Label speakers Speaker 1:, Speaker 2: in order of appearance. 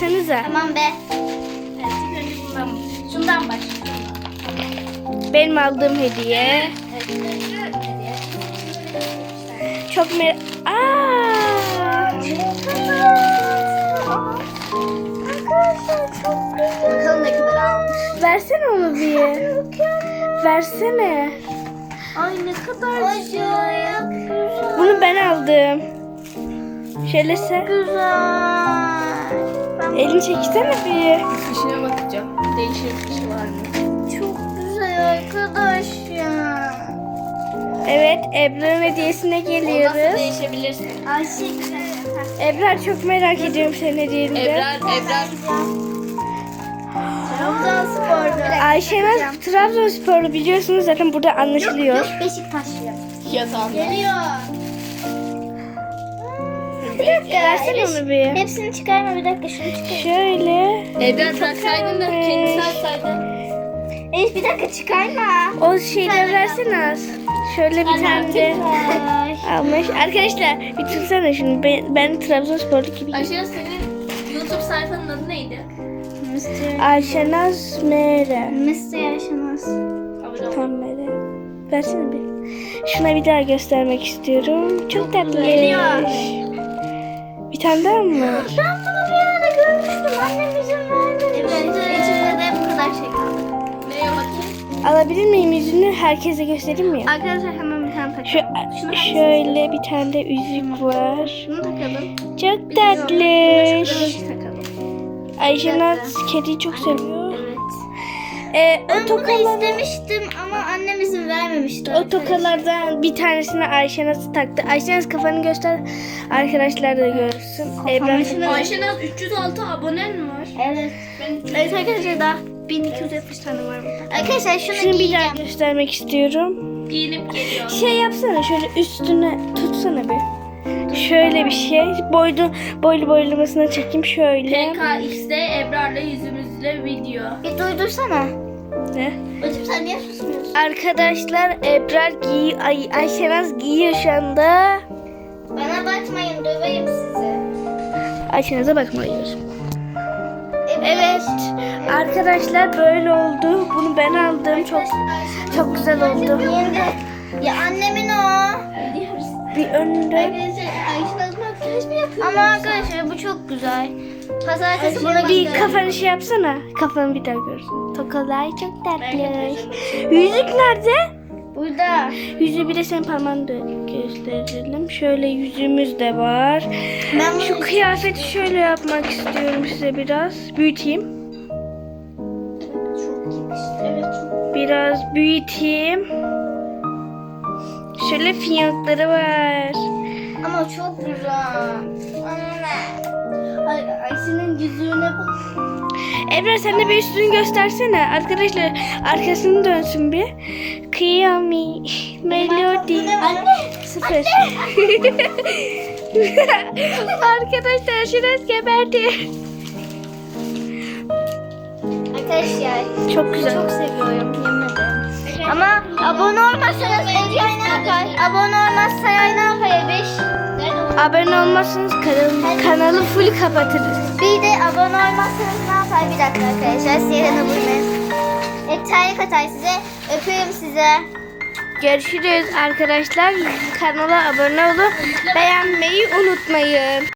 Speaker 1: baksanıza.
Speaker 2: Tamam be.
Speaker 3: Evet, ilk önce şundan başlayalım.
Speaker 1: Benim aldığım hediye.
Speaker 3: Evet, hediye.
Speaker 1: Çok
Speaker 2: Arkadaşlar çok güzel. Bakalım ne kadar almış.
Speaker 1: Versene onu bir. Versene.
Speaker 2: Ay ne kadar acayip güzel.
Speaker 1: Bunu ben aldım. Şöyle sen.
Speaker 2: Güzel.
Speaker 1: Elini çeksene bir.
Speaker 3: Fişine bakacağım. Değişik bir şey var mı?
Speaker 2: Çok güzel arkadaş ya.
Speaker 1: Evet, Ebrar'ın hediyesine
Speaker 3: Ondan sonra
Speaker 1: geliyoruz.
Speaker 3: değişebilirsin.
Speaker 2: Ayşe.
Speaker 1: Ebrar, çok merak ediyorum senin hediyeni de.
Speaker 3: Ebrar.
Speaker 2: Trabzonspor.
Speaker 1: Ayşenaz Trabzonsporlu, biliyorsunuz zaten burada anlaşılıyor.
Speaker 2: Yok Beşiktaşlı.
Speaker 3: Yatağında.
Speaker 2: Geliyor.
Speaker 1: Bir dakika, versene onu bir.
Speaker 2: Hepsini çıkarma, bir dakika şunu çıkar.
Speaker 1: Şöyle.
Speaker 3: Ebrar bıraksaydın da kendisi açsaydın.
Speaker 2: Elif bir dakika çıkarma.
Speaker 1: O şeyleri versene az. Şöyle bir tane de almış. Arkadaşlar bir tutsana şunu. Ben Trabzonsporlu gibi.
Speaker 3: Ayşe, senin YouTube sayfanın adı neydi?
Speaker 1: Ayşenaz Mere.
Speaker 2: Mr. Yaşanaz.
Speaker 3: Abone ol.
Speaker 1: Tam Mere. Versene bir. Şuna bir daha göstermek istiyorum. Çok tatlı.
Speaker 2: Geliyor.
Speaker 1: Bir tane daha mı var?
Speaker 2: Ben bunu bir yerde görmüştüm. Annem izin vermedi. Evet, içinde de bu kadar şey kaldı.
Speaker 3: Neye bakayım?
Speaker 1: Alabilir miyim yüzünü? Herkese göstereyim mi?
Speaker 2: Arkadaşlar hemen bir tane takalım.
Speaker 1: Şöyle bir tane de yüzük var.
Speaker 2: Şunu takalım.
Speaker 1: Çok tatlı.
Speaker 2: Şunu takalım.
Speaker 1: Ayşenaz kediyi çok seviyor.
Speaker 2: Evet.
Speaker 1: O
Speaker 2: Ben bunu
Speaker 1: tokalar,
Speaker 2: istemiştim ama annem izin vermemişti.
Speaker 1: o tokalardan bir tanesini Ayşenaz taktı. Ayşenaz kafanı göster. Arkadaşlar da görsün. Ebrar.
Speaker 3: Ayşenaz 306 abonen mi var?
Speaker 2: Evet. Evet arkadaşlar daha 1270 tane var burada. Arkadaşlar şunu
Speaker 1: Şunu bir
Speaker 2: giyeceğim.
Speaker 1: daha göstermek istiyorum.
Speaker 3: Giyinip geliyor.
Speaker 1: Şey yapsana, şöyle üstüne tutsana bir. Şöyle bir şey. Boylamasına çekeyim şöyle.
Speaker 3: PKX'de Ebrar'la yüzümüzle video.
Speaker 2: Bir duydursana.
Speaker 1: Ne?
Speaker 2: Bacım sen niye susmuyorsun?
Speaker 1: Arkadaşlar Ebrar Ayşenaz giyiyor şu anda.
Speaker 2: Bana bakmayın, döveyim sizi.
Speaker 1: Ayşenaz'a bakmalıyız. Evet. Arkadaşlar böyle oldu. Bunu ben aldım. Çok güzel oldu.
Speaker 2: Ya annemin o.
Speaker 1: Bir önünde.
Speaker 2: Ama arkadaşlar bu çok güzel. Pazartesi buna
Speaker 1: Bir kafanı şey yapsana. Kafanı bir daha görsün. Tokalar çok tatlı. Yüzük nerede?
Speaker 2: burada.
Speaker 1: Yüzüğü bir de senin parmağını da gösterelim. Şöyle yüzüğümüz de var.
Speaker 2: Ben
Speaker 1: Şu kıyafeti şöyle yapmak istiyorum size biraz. Büyüteyim.
Speaker 2: Evet.
Speaker 1: Biraz büyüteyim. Şöyle fiyankları var.
Speaker 2: Ama çok güzel. Anne. Ayşe'nin yüzüğüne bak.
Speaker 1: Ebrar sen de bir üstünü göstersene. Arkadaşlar arkasını dönsün bir. Kıyami. Melodi.
Speaker 2: Anne.
Speaker 1: Sıfır. Arkadaşlar şurası geberdi.
Speaker 2: Arkadaşlar
Speaker 1: Çok güzel.
Speaker 2: çok seviyorum, yemin ederim. Ama abone olmazsanız Eray ne yapar? Abone olmazsa ne yapar Ebeş?
Speaker 1: Abone olmazsanız kanalı full kapatırız.
Speaker 2: Bir de abone olmazsanız ne yapar? Bir dakika arkadaşlar, Siyeren abone. Terlik atar size. Öpüyorum size.
Speaker 1: Görüşürüz arkadaşlar. Kanala abone olun. Beğenmeyi unutmayın.